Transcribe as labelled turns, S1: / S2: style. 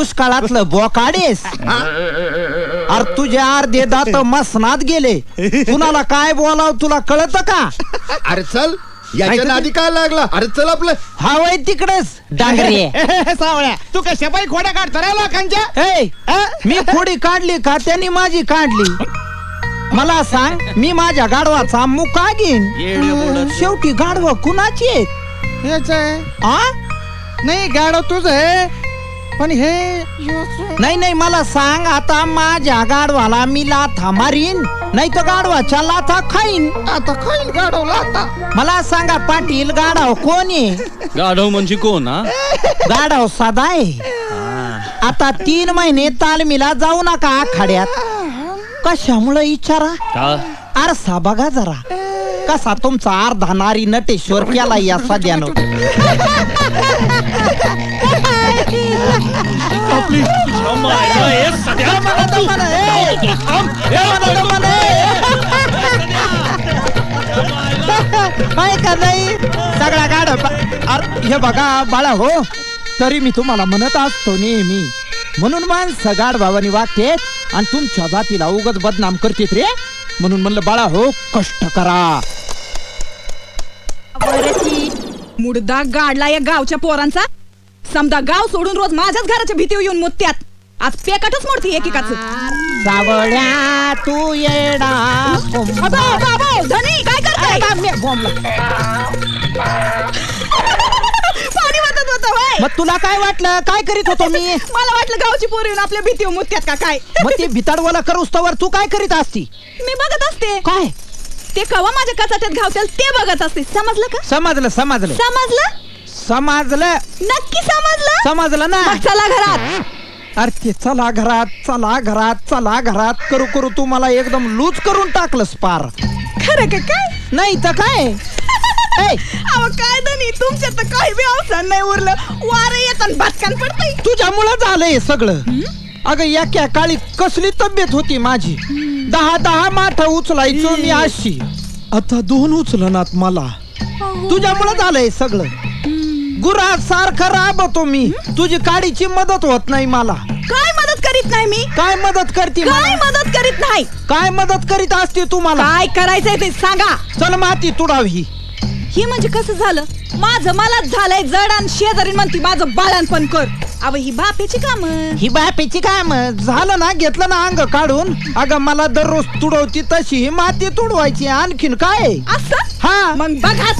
S1: दुष्काळातलं बोकाडेस. अरे तुझे अर्धे दात मसनात गेले. कुणाला काय बोलाव तुला कळत का?
S2: अरे चल याच्या नादी काय लागला. अरे चल आपलं
S1: हवय तिकडेच डांगरे.
S3: सावळ्या तू कशा बाई खोड्या काढता रे लोकांच्या.
S1: मी खोडी काढली का त्यांनी माझी काढली. मला सांग मी माझ्या गाढवाचा मुका घेईन. शेवटी गाढव कुणाची आहेत?
S3: हेच आहे.
S1: आ
S3: नाही गाडव तुझ आहे पण हे
S1: नाही नाही मला सांग आता माझ्या गाढवाला मी लाथा मारीन नाही तर गाढवाच्या लाथा खाईन.
S3: आता खाईल गाडवला आता.
S1: मला सांगा पाटील गाढव कोण आहे?
S4: गाढव म्हणजे कोण?
S1: गाढव साधा आहे. आता 3 महिने तालमीला जाऊ नका आखाड्यात. कशामुळे विचारा? आरसा बघा जरा कसा तुमचा अर्धा नारी नटेश्वर केला या सध्यानं. का नाही सगळा गाढव. हे बघा बाळा हो तरी मी तुम्हाला म्हणत असतो नेहमी म्हणून माणसं गाढवानी वागतेत आणि तुमच्या जातीला उगाच बदनाम करतेत रे. म्हणून म्हणलं बाळा हो कष्ट करा.
S5: मुडदा गाडला या गावच्या पोरांचा. समजा गाव सोडून रोज माझ्याच घराच्या भीतीवर येऊन मुत्यात. आज पेकाटच मोडती एकेकाच.
S1: सावळ्या तू येडा
S5: धनी काय करताय? पाणी वाटत होतं होय.
S1: मग तुला काय वाटलं काय करीत होतो मी?
S5: मला वाटलं गावची पोरं येऊन आपल्या भीतीवर मुत्यात का काय.
S1: मग ते भिताडवाला करूस्तवर तू काय करीत असती?
S5: मी बघत असते
S1: काय
S5: ते कवा माझ्या कचाट्यात घावतील ते बघत असते. समजलं का?
S1: समजलं समजलं
S5: समजलं
S1: समजलं
S5: नक्की समजलं.
S1: समजलं ना.
S5: मग चला घरात.
S1: अरे ते चला घरात चला घरात चला घरात करू करू तू मला एकदम लूज करून टाकलंस पार.
S5: खरं का काय?
S1: नाही तर काय.
S5: अहो काय धनी तुमच्या तर काही बी अवसान नाही उरलं. वारं येतात भातकान पडतंय.
S1: तुझ्यामुळं झालंय सगळं. अगं एका काळी कसली तब्येत होती माझी. 10 माठ उचलायचो मी अशी. आता 2 उचलनात मला. तुझ्यामुळं झालंय सगळं. गुरा सारखं राबतो मी. तुझी काडीची मदत होत नाही मला.
S5: काय मदत करीत नाही मी?
S1: काय मदत करते?
S5: काय मदत करीत नाही?
S1: काय मदत करीत असते तुम्हाला?
S5: काय करायचंय ते सांगा.
S1: चल माती तुडावी.
S5: ही म्हणजे कसं झालं? माझं मलाच झालंय जड आणि शेजारी म्हणती माझं बाळणपण कर. अव ही बापेची काम.
S1: ही बापेची काम झालं ना घेतलं ना अंग काढून. अगं मला दररोज तुडवती तशी ही माती तुडवायची आणखीन काय
S5: असं?
S1: हा
S5: मग बघाच.